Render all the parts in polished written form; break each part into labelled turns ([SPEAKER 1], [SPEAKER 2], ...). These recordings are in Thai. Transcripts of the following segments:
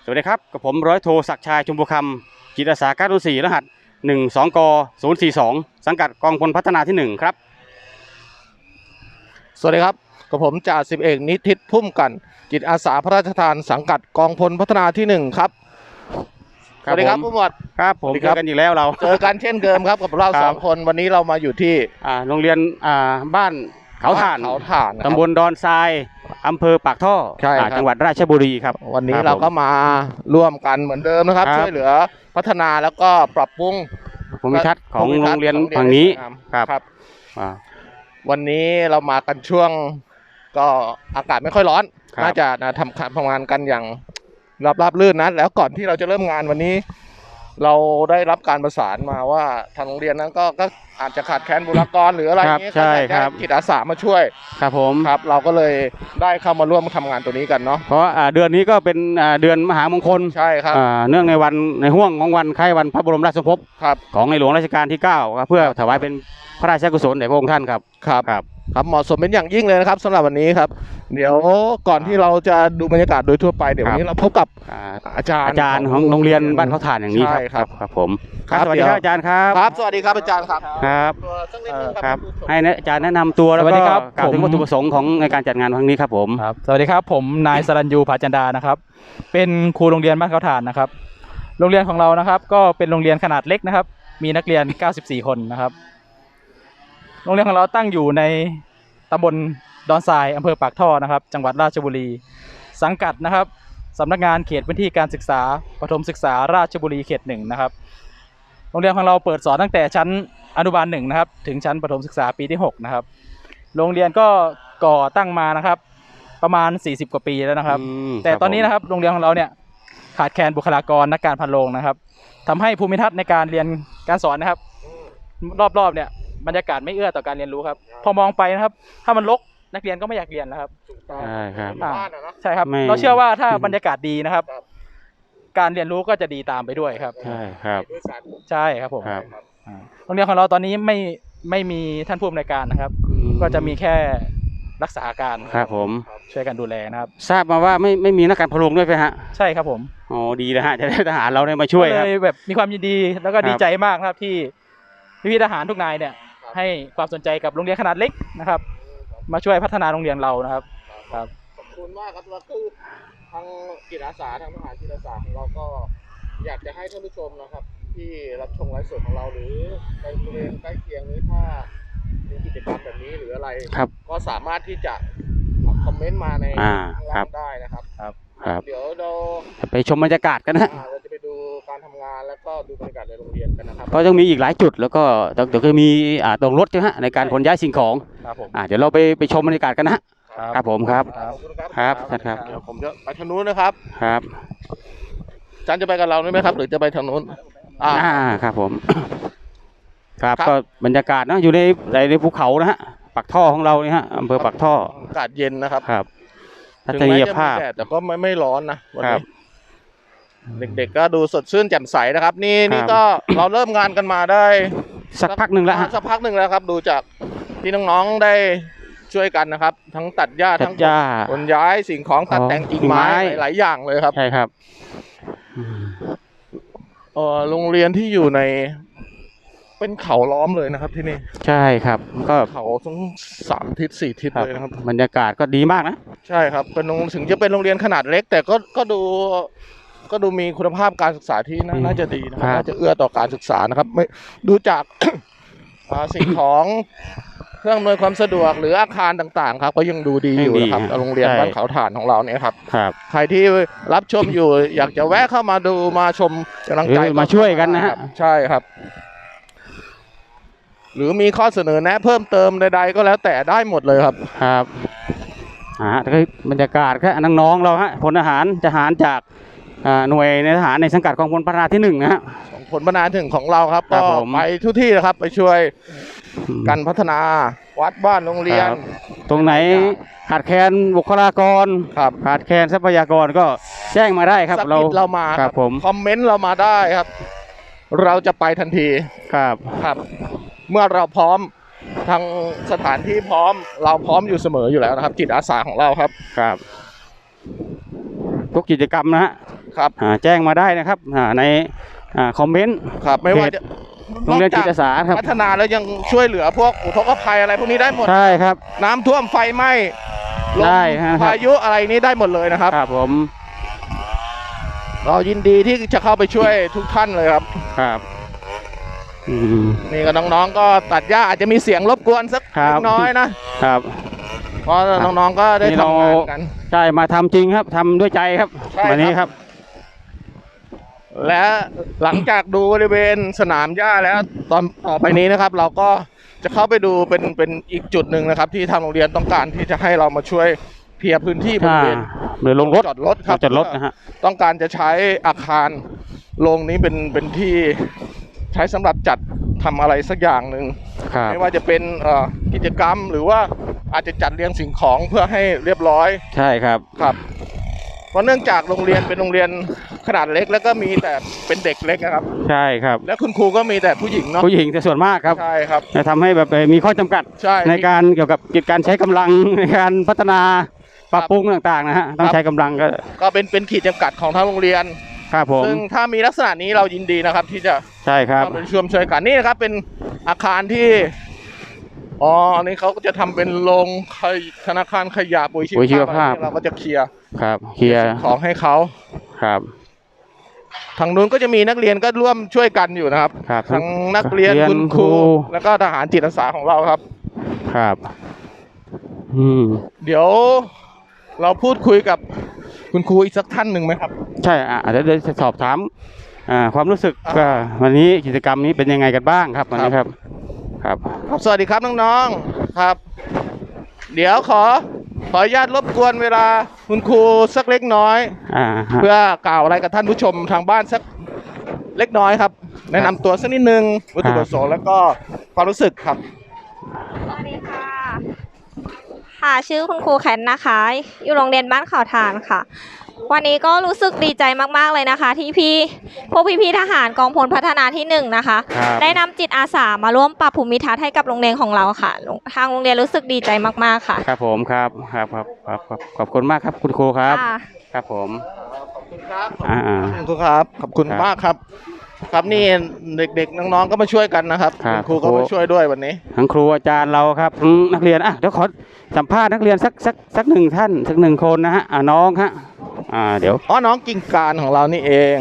[SPEAKER 1] วัสดีครับกับผมร้อยโทศักดิ์ชัยชมพูคำจิตอาสา904รหัส12ก042สังกัดกองพลพัฒนาที่1ครับ
[SPEAKER 2] สวัสดีครับกับผมจ่าสิบเอกนิติศพุ่มกันจิตอาสาพระราชทานสังกัดกองพลพัฒนาที่1ครับสวัสดีครับผู้หมวด
[SPEAKER 1] ครับผมเจอกันอีกแล้วเรา
[SPEAKER 2] เจอกันเช่นเดิมครับกับเรา2 คนวันนี้เรามาอยู่ที่
[SPEAKER 1] โรงเรียนบ้านเขาถ่านตำบลดอนทรายอำเภอปากท่อจังหวัดราชบุรีครับ
[SPEAKER 2] วันนี้เราก็มาร่วมกันเหมือนเดิมนะครับช่วยเหลือพัฒนาแล้วก็ปรับปรุง
[SPEAKER 1] ภูมิทัศน์ของโรงเรียนฝั่งนี้
[SPEAKER 2] ครับวันนี้เรามากันช่วงก็อากาศไม่ค่อยร้อนน่าจะทำงานกันอย่างราบรื่นนะแล้วก่อนที่เราจะเริ่มงานวันนี้เราได้รับการประสานมาว่าทางโรงเรียนนั้นก็อาจจะขาดแคลนบุคลากรหรืออะไรอย่างนี้ก็ได้จิตอาสามาช่วย
[SPEAKER 1] ครับผม
[SPEAKER 2] ครับเราก็เลยได้เข้ามาร่วมทำงานตัวนี้กันเนาะ
[SPEAKER 1] เพราะเดือนนี้ก็เป็นเดือนมหามงคล
[SPEAKER 2] ใช่ครับ
[SPEAKER 1] เนื่องในห่วงของวันคล้ายวันพระบรมราชสมภพของในหลวงรัชกาลที่9ครับเพื่อถวายเป็นพระราชกุศลแด่พระองค์ท่านครับ
[SPEAKER 2] ครับเหมาะสมเป็นอย่างยิ่งเลยนะครับสำหรับวันนี้ครับเดี๋ยวก่อนที่เราจะดูบรรยากาศโดยทั่วไปเดี๋ยววันนี้เราพบกับอาจารย์
[SPEAKER 1] ของโรงเรียนบ้านเขาถ่านอย่างนี้ครับผมสวัสดีครับอาจารย์ครับ
[SPEAKER 2] ครับสวัสดีครับอาจารย์ครับ
[SPEAKER 1] ครับให้อาจารย์แนะนำตัวแล้วก็กล่าวถึงวัตถุประสงค์ของในการจัดงานครั้งนี้ครับผม
[SPEAKER 3] สวัสดีครับผมนายสรัญยูผาจันดานะครับเป็นครูโรงเรียนบ้านเขาถ่านนะครับโรงเรียนของเรานะครับก็เป็นโรงเรียนขนาดเล็กนะครับมีนักเรียน94คนนะครับโรงเรียนของเราตั้งอยู่ในตำบลดอนทรายอำเภอปากท่อนะครับจังหวัดราชบุรีสังกัดนะครับสำนักงานเขตพื้นที่การศึกษาประถมศึกษาราชบุรีเขต1นะครับโรงเรียนของเราเปิดสอนตั้งแต่ชั้นอนุบาล1นะครับถึงชั้นประถมศึกษาปีที่6นะครับโรงเรียนก็ก่อตั้งมานะครับประมาณ40กว่าปีแล้วนะครับแต่ตอนนี้นะครับโรงเรียนของเราเนี่ยขาดแคลนบุคลากรนักการพันโรงนะครับทำให้ภูมิทัศน์ในการเรียนการสอนนะครับรอบๆเนี่ยบรรยากาศไม่เอื้อต่อการเรียนรู้ครับพอมองไปนะครับถ้ามันรกนักเรียนก็ไม่อยากเรียนนะครับ
[SPEAKER 1] ใช่ครับ
[SPEAKER 3] ใช่ครับเราเชื่อว่าถ้าบรรยากาศดีนะครับการเรียนรู้ก็จะดีตามไปด้วยครับ
[SPEAKER 1] ใช่ครับ
[SPEAKER 3] ใช่ครับผมโรงเรียนของเราตอนนี้ไม่มีท่านผู้อำนวยการนะครับก็จะมีแค่รักษาการ
[SPEAKER 1] ครับผม
[SPEAKER 3] ช่วยกันดูแลนะครับ
[SPEAKER 1] ทราบมาว่าไม่มีนักการพะโล้ด้วยไหมฮะ
[SPEAKER 3] ใช่ครับผม
[SPEAKER 1] อ๋อดีเลยฮะจะได้ทหารเราได้มาช่วยครับ
[SPEAKER 3] เลยแบบมีความยินดีแล้วก็ดีใจมากครับที่พี่ทหารทุกนายเนี่ยให้ความสนใจกับโรงเรียนขนาดเล็กนะครับมาช่วยพัฒนาโรงเรียนเรานะครับ
[SPEAKER 2] ครับขอบคุณมากครับแล้วคือทางจิตอาสาทางทหารจิตอาสาของเราก็อยากจะให้ท่านผู้ชมนะครับที่รับชมไลฟ์สดของเราหรือในบริเวณใกล้เคียงนี้ถ้ามีกิจกรรมแบบนี้หรืออะไรก็สามารถที่จะคอมเมนต์มาในข้างล่างได้นะครับเดี๋ยวเรา
[SPEAKER 1] ไปชมบรรยากาศกันนะ
[SPEAKER 2] เราจะไปดูการทำงานแล้วก็ดูบรรยากาศในโรงเรียนกันนะครับ
[SPEAKER 1] ก็ต้องมีอีกหลายจุดแล้วก็เดี๋ยวจะมีตรงรถใช่ไหมในการขนย้ายสิ่งของเดี๋ยวเราไปชมบรรยากาศกันนะครับผมครับครับ
[SPEAKER 2] เดี๋ยวผมจะไปทางนู้นนะครับ
[SPEAKER 1] ครับ
[SPEAKER 2] อาจารย์จะไปกับเราไหมครับหรือจะไปทางนู้น
[SPEAKER 1] ครับผมครับก็บรรยากาศนะอยู่ในภูเขานะฮะปากท่อของเราเนี่ยฮะอำเภอปากท่อ
[SPEAKER 2] อากาศเย็นนะครับ
[SPEAKER 1] ทัศนียภาพ
[SPEAKER 2] แต่ก็ไม่ร้อนนะวันนี้เด็กๆก็ดูสดชื่นแจ่มใสนะครับนี่ก็เราเริ่มงานกันมาได้
[SPEAKER 1] สักพักหนึ่งแล้ว
[SPEAKER 2] ครับดูจากที่น้องๆได้ช่วยกันนะครับทั้งตัดหญ้าทั้งขนย้ายสิ่งของตัดแต่งกิ่งไม้หลายอย่างเลยครับ
[SPEAKER 1] ใช่ครับ
[SPEAKER 2] โรงเรียนที่อยู่ในเป็นเขาล้อมเลยนะครับที่นี่
[SPEAKER 1] ใช่ครับก็
[SPEAKER 2] เขาทั้ง3 ทิศ 4 ทิศเลยนะครับ
[SPEAKER 1] บรรยากาศก็ดีมากนะ
[SPEAKER 2] ใช่ครับเป็นถึงจะเป็นโรงเรียนขนาดเล็กแต่ก็ดูมีคุณภาพการศึกษาที่น่าจะดีนะครับน่าจะเอื้อต่อการศึกษานะครับไม่ดูจากสิ่งของเครื่องอำนวยความสะดวกหรืออาคารต่างๆครับก็ยังดูดีอยู่นะครับโรงเรียนบ้านเขาถ่านของเราเนี่ยครับใครที่รับชมอยู่อยากจะแวะเข้ามาดูมาชมกำลังใจ
[SPEAKER 1] มาช่วยกันนะฮะ
[SPEAKER 2] ใช่ครับหรือมีข้อเสนอแนะเพิ่มเติมใดๆก็แล้วแต่ได้หมดเลยครับ
[SPEAKER 1] บรรยากาศแค่น้องๆเราฮะพลทหารจากหน่วยในทหารในสังกัดกองพลพัฒนาที่1นะฮะ
[SPEAKER 2] พลพัฒนาถึงของเราครับก็ไปทุกที่นะครับไปช่วยกันพัฒนาวัดบ้านโรงเรียน
[SPEAKER 1] ตรงไหนขาดแคลนบุคลากรขาดแคลนทรัพยากรก็แจ้งมาได้ครับ
[SPEAKER 2] เรามา
[SPEAKER 1] ครับผม
[SPEAKER 2] คอมเมนต์เรามาได้ครับเราจะไปทันทีครับเมื่อเราพร้อมทางสถานที่พร้อมเราพร้อมอยู่เสมออยู่แล้วนะครับจิตอาสาของเราครับ
[SPEAKER 1] ทุกกิจกรรมนะฮะ
[SPEAKER 2] ครับ
[SPEAKER 1] แจ้งมาได้นะครับในคอมเมนต์
[SPEAKER 2] ครับไม่ว่าจะ
[SPEAKER 1] โรงเรียนจิตอาสาครับ
[SPEAKER 2] พัฒนาแล้วยังช่วยเหลือพวกอุทกภัยอะไรพวกนี้ได้หมด
[SPEAKER 1] ใช่ครับ
[SPEAKER 2] น้ำท่วมไฟไหม้ลม
[SPEAKER 1] ได้ฮะ
[SPEAKER 2] พายุอะไรนี้ได้หมดเลยนะครับ
[SPEAKER 1] ครับผม
[SPEAKER 2] เรายินดีที่จะเข้าไปช่วยทุกท่านเลยครับ
[SPEAKER 1] ครับ
[SPEAKER 2] นี่ก็น้องๆก็ตัดหญ้าอาจจะมีเสียงรบกวนสัก
[SPEAKER 1] ครับ
[SPEAKER 2] เล็กน้อยนะครับ เพราะน้องๆก็ได้
[SPEAKER 1] นี่
[SPEAKER 2] ทำงานกัน
[SPEAKER 1] ใช่มาทำจริงครับทำด้วยใจครับ
[SPEAKER 2] ใช่ครับ
[SPEAKER 1] วันนี้ครับ
[SPEAKER 2] และหลังจากดูบริเวณสนามหญ้าแล้วตอนต่อไปนี้นะครับ เราก็จะเข้าไปดูเป็นอีกจุดหนึ่งนะครับ ที่ทางโรงเรียนต้องการที่จะให้เรามาช่วยเคลียร์พื้นที่บริเวณ
[SPEAKER 1] หรือลงรถ
[SPEAKER 2] จอดรถครับ
[SPEAKER 1] จอดรถนะฮะ
[SPEAKER 2] ต้องการจะใช้อาคารโรงนี้เป็นที่ใช้สำหรับจัดทำอะไรสักอย่างหนึ่ง
[SPEAKER 1] ครับ
[SPEAKER 2] ไม่ว่าจะเป็นกิจกรรมหรือว่าอาจจะจัดเรียงสิ่งของเพื่อให้เรียบร้อย
[SPEAKER 1] ใช่ครับ
[SPEAKER 2] ครับ เพราะเนื่องจากโรงเรียนเป็นโรงเรียนขนาดเล็ก แล้วก็มีแต่เป็นเด็กเล็กนะครับ
[SPEAKER 1] ใช่ครับ
[SPEAKER 2] และคุณครูก็มีแต่ผู้หญิงเนาะ
[SPEAKER 1] ผู้หญิงจะส่วนมากครับ
[SPEAKER 2] ใช่ครับ
[SPEAKER 1] จะทำให้แบบมีข้อจำกัด
[SPEAKER 2] ใช่
[SPEAKER 1] ในการเกี่ยวกับกิจการใช้กำลังในการพัฒนาปรับปรุงต่างๆนะฮะต้องใช้กำลังก็
[SPEAKER 2] ก็เป็นขีดจำกัดของทางโรงเรียน
[SPEAKER 1] ครับผม
[SPEAKER 2] ซึ่งถ้ามีลักษณะนี้เรายินดีนะครับ ที่จะ
[SPEAKER 1] ใช่ครับ
[SPEAKER 2] เข้าไปช่วยกันนี่นะครับเป็นอาคารที่อันนี้เขาก็จะทำเป็นโรงธนาคารขยะปุ๋ยชีวภาพเราก็จะเคลียร์
[SPEAKER 1] ครับเคลียร์
[SPEAKER 2] ของให้เขา
[SPEAKER 1] ครับ
[SPEAKER 2] ทางนู้นก็จะมีนักเรียนก็ร่วมช่วยกันอยู่นะครับ
[SPEAKER 1] ครับ
[SPEAKER 2] ทั้งนักเรียนคุณครูแล้วก็ทหารจิตอาสาของเราครับ
[SPEAKER 1] ครับ
[SPEAKER 2] เดี๋ยวเราพูดคุยกับคุณครูอีกสักท่านหนึ่งไหมครับ
[SPEAKER 1] ใช่เดี๋ยวจะสอบถามความรู้สึกวันนี้กิจกรรมนี้เป็นยังไงกันบ้างครับวันนี้ครับครับ
[SPEAKER 2] สวัสดีครับน้องๆครับ เดี๋ยวขออนุญาตรบกวนเวลาคุณครูสักเล็กน้อย เพื่อกล่าวอะไรกับท่านผู้ชมทางบ้านสักเล็กน้อยครับ แนะนำตัวสักนิดนึงวัตถุประสงค์แล้วก็ความรู้สึกครับ
[SPEAKER 4] สวัสดีค่ะ ค่ะชื่อคุณครูแคนนะคะ อยู่โรงเรียนบ้านเขาฐานค่ะ วันนี้ก็รู้สึกดีใจมากๆเลยนะคะ ที่พวกพี่ๆทหารกองพลพัฒนาที่1นะคะ ได้นำจิตอาสามาร่วมปรับภูมิทัศน์ให้กับโรงเรียนของเราค่ะ ทางโรงเรียนรู้สึกดีใจมากๆค่ะ
[SPEAKER 1] ครับผมครับขอบคุณมากครับคุณครูครับ
[SPEAKER 4] ค่ะ
[SPEAKER 1] ครับผม
[SPEAKER 2] ขอบคุณครับ
[SPEAKER 1] คุณ
[SPEAKER 2] ครูครับขอบคุณมากครับ ครับนี่เด็กๆน้องๆก็มาช่วยกันนะครับคุณครูก็มาช่วยด้วยวันนี้
[SPEAKER 1] ทั้งครูอาจารย์เราครับนักเรียนเดี๋ยวขอสัมภาษณ์นักเรียนสักหนึ่งท่านสักหนึ่งคนนะฮะน้องฮะเดี๋ยว
[SPEAKER 2] น้องกิ่งการของเรานี่เอง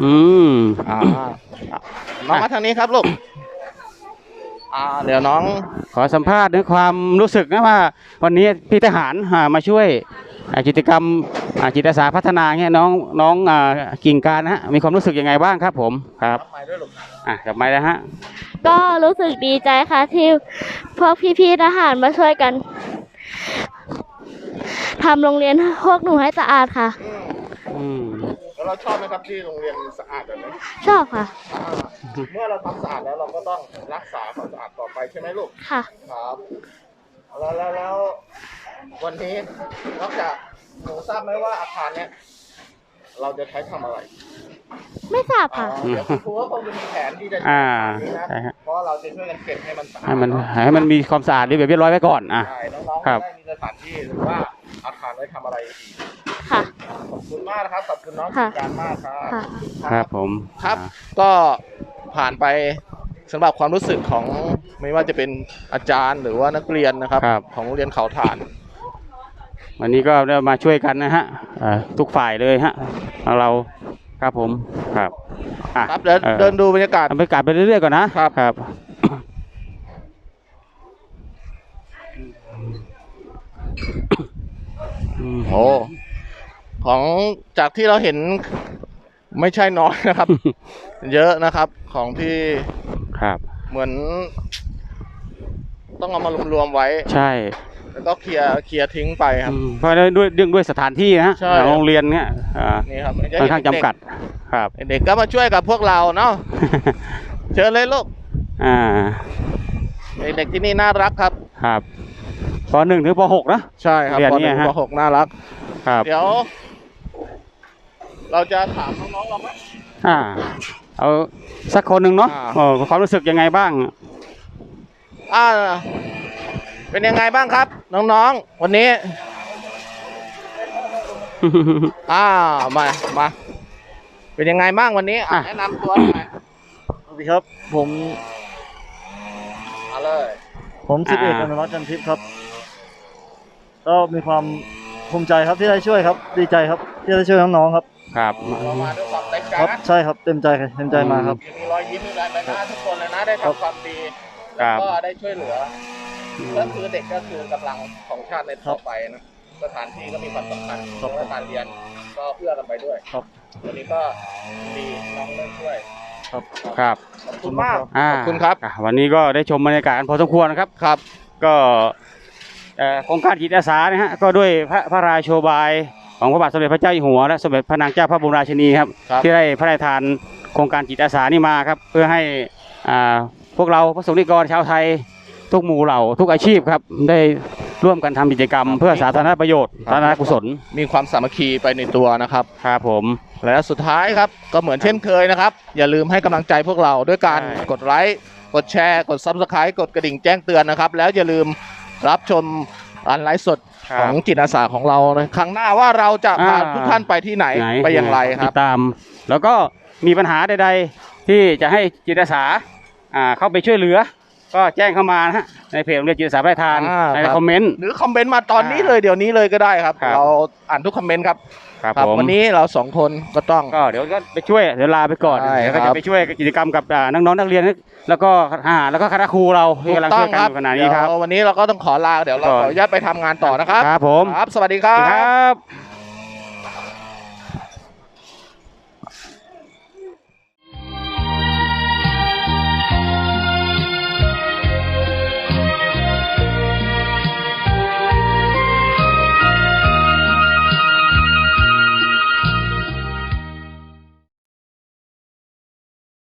[SPEAKER 2] น้องมาทางนี้ครับลูกเดี๋ยวน้อง
[SPEAKER 1] ขอสัมภาษณ์ในความรู้สึกนะว่าวันนี้พี่ทหารมาช่วยกิจกรรมจิตอาสาพัฒนาเนี่ยน้องกิ่งการนะฮะมีความรู้สึกยังไงบ้างครับผมครับกลับมาแล้วฮะ
[SPEAKER 5] ก็รู้สึกดีใจค่ะที่พวกพี่ๆทหารมาช่วยกันทำโรงเรียนพวกหนูให้สะอาดค่ะ
[SPEAKER 2] แล้วเราชอบไหมครับที่โรงเรียนสะอาดแบบนี้
[SPEAKER 5] ชอบค่ะ
[SPEAKER 2] เมื่อเราทำสะอาดแล้วเราก็ต้องรักษาความสะอาดต่อไปใช่ไหมลูก
[SPEAKER 5] ค่ะ
[SPEAKER 2] ครับแล้ววันนี้นอกจากหนูทราบไหมว่าอาคารเนี้ยเราจะใช้ทำอะไร
[SPEAKER 5] ไม่ทราบค่ะ
[SPEAKER 2] เดี๋ยวครูก็คงจะมีแผนที่จะใช้นี้นะ
[SPEAKER 1] ใช่ฮะ
[SPEAKER 2] เพราะเราจะช่วยกันเก็บให้มันสะอาด
[SPEAKER 1] ให้มันมีความสะอาดเรียบร้อยไว้ก่อน
[SPEAKER 2] ใช่น้องๆ
[SPEAKER 1] ครับ
[SPEAKER 2] ได้มีสถานที่หรือว่าอาคารไว้ทำอะไรอีก
[SPEAKER 5] ค่ะ
[SPEAKER 2] ขอบคุณมากนะครับขอบคุณน้อง
[SPEAKER 5] ค่ะ
[SPEAKER 2] การมากครับ
[SPEAKER 5] ค่ะ
[SPEAKER 1] ครับผม
[SPEAKER 2] ครับก็ผ่านไปสำหรับความรู้สึกของไม่ว่าจะเป็นอาจารย์หรือว่านักเรียนนะครับ ของโรงเรียนเขาฐาน
[SPEAKER 1] วันนี้ก็ได้มาช่วยกันนะฮะทุกฝ่ายเลยฮะเราครับผมครับ
[SPEAKER 2] ครับเดินดูบรรยากาศ
[SPEAKER 1] บรรยากาศไปเรื่อยๆก่อนนะครับครับ
[SPEAKER 2] โอ้ของจากที่เราเห็นไม่ใช่น้อยนะครับ เยอะนะครับของที่
[SPEAKER 1] ครับ
[SPEAKER 2] เหมือน ต้องเอามารวมๆไว้
[SPEAKER 1] ใช่
[SPEAKER 2] แล้วก็เคลียร์ทิ้งไปครับ
[SPEAKER 1] เพราะด้วยสถานที่นะฮะ
[SPEAKER 2] ใช่
[SPEAKER 1] โรงเรียนเนี่ย
[SPEAKER 2] นี่ครับ
[SPEAKER 1] ค่อนข้างจำกัดครับ
[SPEAKER 2] เด็กก็มาช่วยกับพวกเราเนาะ เชิญเลยลูกเด็กที่นี่น่ารักครับ
[SPEAKER 1] ครับป .1 ถึงป .6 นะ
[SPEAKER 2] ใช่ครับป .1 ป .6 น่ารัก
[SPEAKER 1] ครับ
[SPEAKER 2] เดี๋ยว เราจะถามน้องๆเราไหม
[SPEAKER 1] เอาสักคนหนึ่งเนาะความรู้สึกยังไงบ้าง
[SPEAKER 2] เป็นยังไงบ้างครับ น้องๆวันนี้ มาเป็นยังไงบ้างวันนี้
[SPEAKER 1] อ่ะ
[SPEAKER 2] แนะนำตัวหน่อย
[SPEAKER 6] สวัสดีครับ ผม
[SPEAKER 2] มาเลย
[SPEAKER 6] สิบเอกอนุรักษ์จันทิพย์ครับ ก็มีความภูมิใจครับที่ได้ช่วยครับ ดีใจครับที่ได้ช่วยน้องๆครับ
[SPEAKER 1] ครับ
[SPEAKER 2] เรามาด้วยความเต็มใจ
[SPEAKER 6] ครับ
[SPEAKER 2] นะ
[SPEAKER 6] ใช่ครับเต็มใจมาครับ
[SPEAKER 2] มีรอยยิ้มมีรอยใบหน้าทุกคนเลยนะได้ทำความดี
[SPEAKER 1] ครั
[SPEAKER 2] แล้ว
[SPEAKER 1] บ
[SPEAKER 2] ก็ได้ช่วยเหลือก็คือเด็กก็คือกำลังของชาติในต่อไปนะสถานที่ก็มีความสำคัญ
[SPEAKER 6] ครับ
[SPEAKER 2] และการเรียนก็เอื้อกันไปด้วย
[SPEAKER 6] ครับ
[SPEAKER 2] วันนี้ก็ดีน้องได้ช่วย
[SPEAKER 6] ครับ
[SPEAKER 1] ครับ
[SPEAKER 2] ขอบคุณมาก
[SPEAKER 1] า
[SPEAKER 2] ขอบคุณครับ
[SPEAKER 1] วันนี้ก็ได้ชมบรรยากาศกันพอสมควรนะครับ
[SPEAKER 2] ครับ
[SPEAKER 1] ก็โครงการจิตอาสานะฮะก็ด้วยพระราโชบายของพระบาทสมเด็จพระเจ้าอยู่หัวและสมเด็จพระนางเจ้าพระบรมราชินีครับ
[SPEAKER 2] ครับ
[SPEAKER 1] ที่ได้พระราชทานโครงการจิตอาสานี่มาครับเพื่อให้พวกเราพระสงฆ์นิกรชาวไทยทุกหมู่เหล่าทุกอาชีพครับได้ร่วมกันทำกิจกรรม เพื่อสาธารณประโยชน์สาธารณกุศล
[SPEAKER 2] มีความสามัคคีไปในตัวนะครับ
[SPEAKER 1] ครับผม
[SPEAKER 2] และสุดท้ายครับก็เหมือนเช่นเคยนะครับ อย่าลืมให้กำลังใจพวกเราด้วยการ
[SPEAKER 1] ใช่
[SPEAKER 2] กดไลค์กดแชร์กด Subscribe กดกระดิ่งแจ้งเตือนนะครับ แล้วอย่าลืมรับชมการไลฟ์สดของจิตอาสาของเราในครั้งหน้าว่าเราจะพาทุกท่านไปที่ไหนไปอย่างไรค
[SPEAKER 1] ติ
[SPEAKER 2] รับ
[SPEAKER 1] ดตาม แล้วก็มีปัญหาใดๆที่จะให้จิตอาสาเข้าไปช่วยเหลือ ก็แจ้งเข้ามานะฮะในเพจโรงเรียนจิตอาสาพระราชทาน
[SPEAKER 2] อ่า
[SPEAKER 1] ใน
[SPEAKER 2] ครับ
[SPEAKER 1] คอมเมนต์
[SPEAKER 2] หรือคอมเมนต์มาตอนนี้เลยเดี๋ยวนี้เลยก็ได้ครับ
[SPEAKER 1] ครับ
[SPEAKER 2] เราอ่านทุกคอมเมนต์ครับ
[SPEAKER 1] ครับ
[SPEAKER 2] ครับ
[SPEAKER 1] ผม
[SPEAKER 2] วันนี้เราสองคนก็ต้อง
[SPEAKER 1] ก็เดี๋ยวก็ไปช่วยเดี๋ยวลาไปก่อน
[SPEAKER 2] ใช่
[SPEAKER 1] เดี๋ยวก็
[SPEAKER 2] ครั
[SPEAKER 1] จะ
[SPEAKER 2] บ
[SPEAKER 1] ไปช่วยกิจกรรมกับน้องๆนักเรียนแล้วก็ทหารแล้วก็คณะครูเราที่กำลังช่วยกันอยู่ขณะนี้ครับ
[SPEAKER 2] เดี๋ยววันนี้เราก็ต้องขอลาเดี๋ยวเรา
[SPEAKER 1] ก่อน
[SPEAKER 2] ขออนุญาตไปทำงานต่อนะครับ
[SPEAKER 1] ครับผม
[SPEAKER 2] ครับ สวัสดีค
[SPEAKER 1] ส
[SPEAKER 2] รั
[SPEAKER 1] วัสดี
[SPEAKER 2] บ
[SPEAKER 1] ครับ